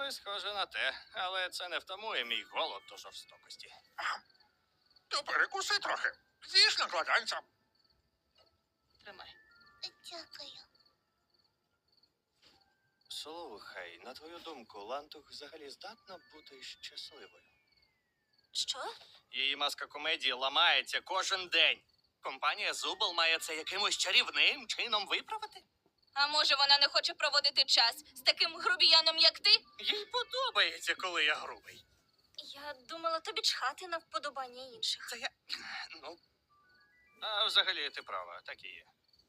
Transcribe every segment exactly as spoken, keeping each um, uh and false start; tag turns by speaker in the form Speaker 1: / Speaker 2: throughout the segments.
Speaker 1: Ой, схоже на те, але це не втамує мій голод до жорстокості.
Speaker 2: То перекуси трохи. З'їж накладанця.
Speaker 1: Тримай.
Speaker 3: Дякую.
Speaker 1: Слухай, на твою думку, Лантух взагалі здатна бути щасливою?
Speaker 3: Що?
Speaker 1: Її маска комедії ламається кожен день. Компанія Зубл має це якимось чарівним чином виправити?
Speaker 3: А може вона не хоче проводити час з таким грубіяном, як ти?
Speaker 1: Їй подобається, коли я грубий.
Speaker 3: Я думала, тобі чхати на вподобання інших.
Speaker 1: Це я... Ну... А взагалі ти права, так і є.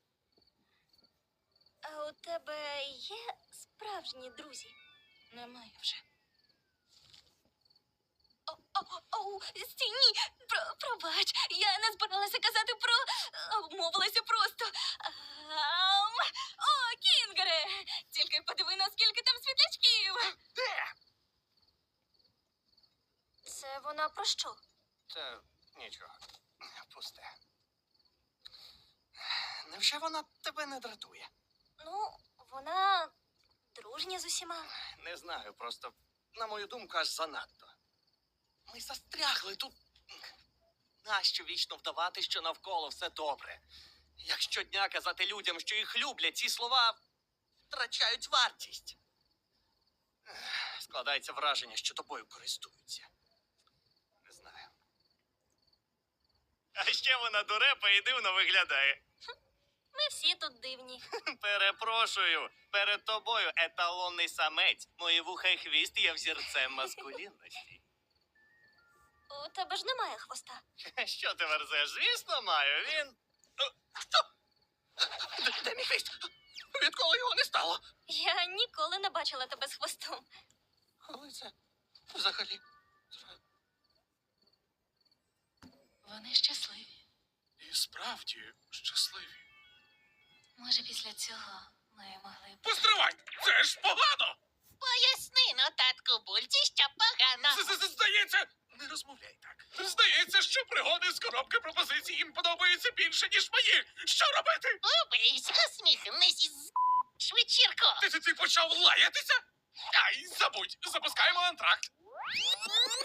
Speaker 3: А у тебе є справжні друзі? Немає вже. О, о, о, стій, ні, про, пробач, я не збиралася казати про... Обмовилася просто. Ам, о, Кінгере, тільки подиви, наскільки там світлячків.
Speaker 2: Де?
Speaker 3: Це вона про що?
Speaker 1: Та нічого, пусте. Невже вона тебе не дратує?
Speaker 3: Ну, вона дружня з усіма.
Speaker 1: Не знаю, просто, на мою думку, аж занадто. Ми застрягли тут. Нащо вічно вдавати, що навколо все добре? Як щодня казати людям, що їх люблять, ці слова втрачають вартість. Ех, Складається враження, що тобою користуються. Не знаю. А ще вона дурепа і дивно виглядає.
Speaker 3: Ми всі тут дивні.
Speaker 1: Перепрошую, перед тобою еталонний самець. Мої вуха і хвіст є взірцем маскулінності.
Speaker 3: У тебе ж немає хвоста.
Speaker 1: Що ти верзеш? Звісно, маю. Він... Що? Де, де мій хвіст? Відколи його не стало?
Speaker 3: Я ніколи не бачила тебе з хвостом.
Speaker 1: Коли це взагалі?
Speaker 3: Вони щасливі.
Speaker 2: І справді щасливі.
Speaker 3: Може, після цього ми могли б...
Speaker 2: Постривай! Це ж погано!
Speaker 4: Поясни, ну, татку Бульці, що погано.
Speaker 2: З- з- Здається, не розмовляй так. Здається, що пригоди з коробки пропозицій їм подобаються більше, ніж мої. Що робити?
Speaker 4: Убийсь, усміхнись із вечірку.
Speaker 2: Ти, ти, ти почав лаятися? Ай, забудь, запускаємо антракт.